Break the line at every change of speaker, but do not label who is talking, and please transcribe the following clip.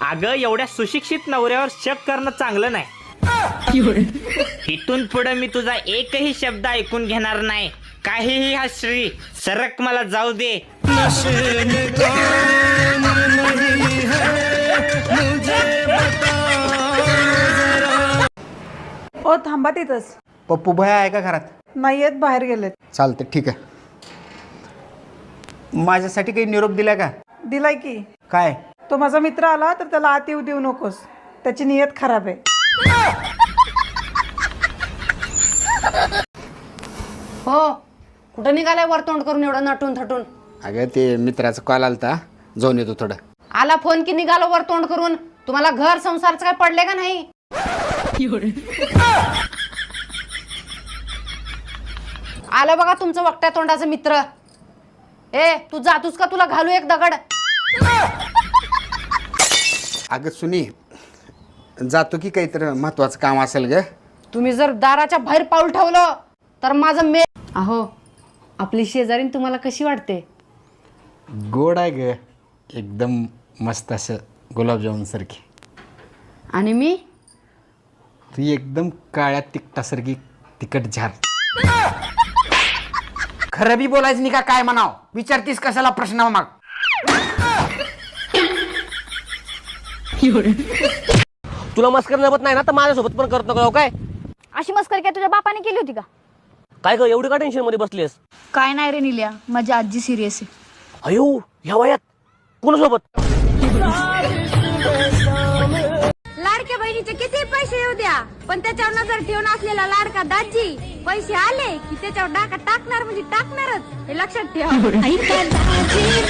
अगं एवढ्या सुशिक्षित नवऱ्यावर शक करणं चांगलं नाही. इथून पुढे मी तुझा एकही शब्द ऐकून घेणार नाही. काहीही हा श्री सरक मला जाऊ दे.
ओ थांबा तिथंच.
पप्पू भया आहे का घरात?
नाही येत, बाहेर गेलेत.
चालतं ठीक आहे. माझ्यासाठी काही निरोप दिला का?
दिलाय की.
काय?
तो माझा मित्र आला तर त्याला आत येऊ देऊ नकोस, त्याची नियत खराब आहे.
हो, कुठं निघालाय वर तोंड करून एवढं नटून थटून?
अगं ते मित्राचा कॉल आलता, जाऊन येतो थोडं.
आला फोन की निघालो वर तोंड करून? तुम्हाला घर संसारचं काय पडले का नाही? आलं बघा तुमचं वकट्या तोंडाचं मित्र. ए तू जातोस का? तुला घालू एक दगड.
अगं सुनी, जातो की काहीतरी महत्वाचं काम असेल ग.
तुम्ही जर दाराच्या बाहेर पाऊल ठेवलं तर माझं अहो, आपली शेजारीन तुम्हाला कशी वाटते?
गोड आहे ग, एकदम मस्त असं गुलाबजामुन सारखी.
आणि मी?
तू एकदम काळ्या तिकटासारखी तिकट झार. खरं बी बोलायचं नाही का? काय म्हणाव विचारतीस कशाला प्रश्न मग?
तुला मस्करी जमत नाही ना तर माझ्यासोबत पण करत नको काय?
अशी मस्करी काय तुझ्या बापाने केली होती का?
काय ग एवढी का टेन्शन मध्ये बसलीस?
काय नाही रे निल्या, माझी आजी सिरियस आहे.
अयो ह्या वयात कोणासोबत?
लाडक्या बहिणीचे किती पैसे येऊ द्या, पण त्याच्यावर नजर ठेवून असलेला लाडका दाजी पैसे आले की त्याच्यावर डाका टाकणार म्हणजे टाकणारच, हे लक्षात ठेवा.